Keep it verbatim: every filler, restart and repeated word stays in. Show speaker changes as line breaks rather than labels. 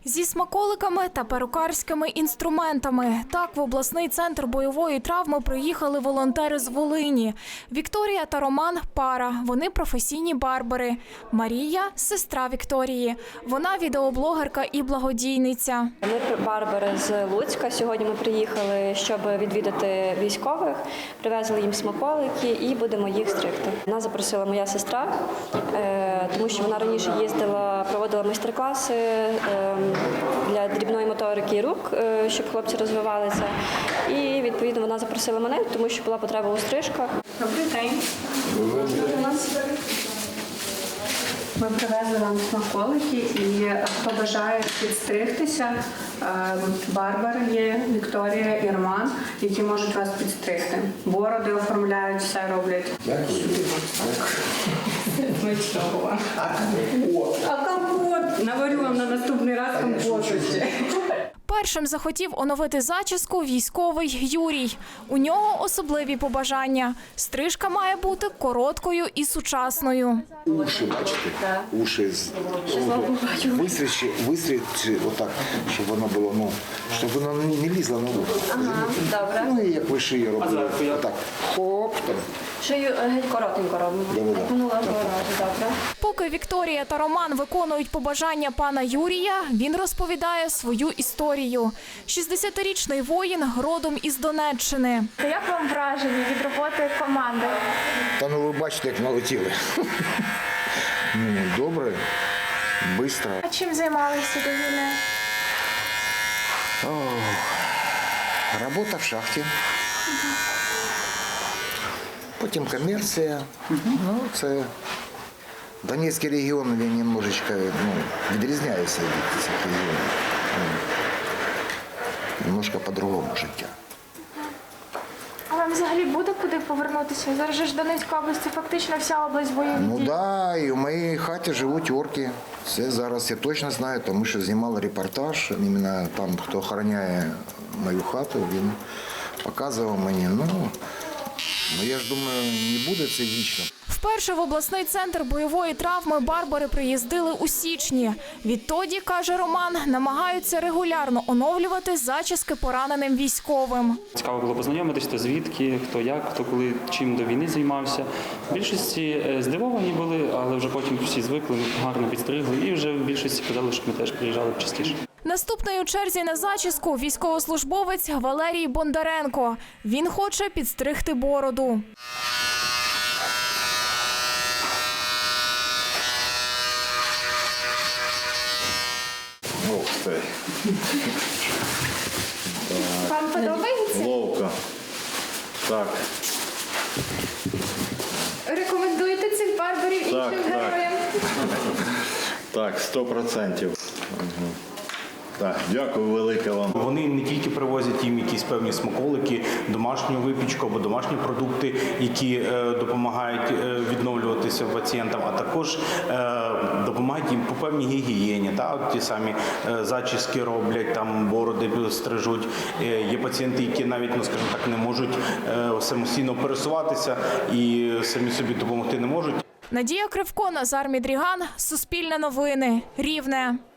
Зі смаколиками та перукарськими інструментами. Так в обласний центр бойової травми приїхали волонтери з Волині. Вікторія та Роман – пара. Вони професійні барбери. Марія – сестра Вікторії. Вона відеоблогерка і благодійниця.
Ми барбери з Луцька. Сьогодні ми приїхали, щоб відвідати військових. Привезли їм смаколики і будемо їх стригти. Нас запросила моя сестра, тому що вона раніше їздила, проводила майстер-класи для дрібної моторики рук, щоб хлопці розвивалися. І, відповідно, вона запросила мене, тому що була потреба у стрижках.
Добрий день. Ми привезли вам смаколики, і хто бажає підстригтися, барбери є, Вікторія і Роман, які можуть вас підстригти. Бороди оформляють, все роблять. Смачного. А компот? Наварю вам на наступний раз компоту ще.
Першим захотів оновити зачіску військовий Юрій. У нього особливі побажання. Стрижка має бути короткою і сучасною.
Уші, бачите, уші вистрічі, вистрічі отак, щоб воно було, ну, щоб воно не лізло на вухо.
Ага, добре.
Ну і як ви шиї робили, отак, хоп, там.
Шию геть коротенько робимо.
Добре.
Минулого разу, добре.
Поки Вікторія та Роман виконують побажання пана Юрія, він розповідає свою історію. шістдесятирічний воїн родом із Донеччини.
Як вам враження від роботи команди?
Та ну ви бачите, як налетіли. Ну, добре, швидко.
А чим займалися до війни?
Робота в шахті. Потім комерція. Ну, це Донецький регіон, він немножечко, ну, відрізняється від цих регіонів. Немножко по-другому життя.
А вам взагалі буде куди повернутися? Зараз же ж Донецька область, це фактично вся область бойових
Ну
дій.
так, да, і в моїй хаті живуть орки. Це зараз я точно знаю, тому що знімали репортаж. Іменно там, хто охороняє мою хату, він показував мені. Ну, ну я ж думаю, не буде це вічно.
Вперше в обласний центр бойової травми барбери приїздили у січні. Відтоді, каже Роман, намагаються регулярно оновлювати зачіски пораненим військовим.
Цікаво було познайомитися, хто звідки, хто як, хто коли, чим до війни займався. В більшості здивовані були, але вже потім всі звикли, гарно підстригли і вже в більшості казали, що ми теж приїжджали частіше.
Наступний у черзі на зачіску – військовослужбовець Валерій Бондаренко. Він хоче підстригти бороду.
Ох ти.
Вам подобається?
Ловко. Так.
Рекомендуєте цих барберів іншим
Так, так.
героям?
Так, сто процентів. Угу. Так, дякую велике вам.
Вони не тільки привозять їм якісь певні смаколики, домашню випічку або домашні продукти, які е, допомагають е, відновлюватися пацієнтам, а також е, допомагають їм по певній гігієні. Та, от ті самі е, зачіски роблять, там бороди стрижуть. Е, є пацієнти, які навіть, ну, скажімо так, не можуть е, самостійно пересуватися і самі собі допомогти не можуть.
Надія Кривко, Назар Мідріган, Суспільне новини, Рівне.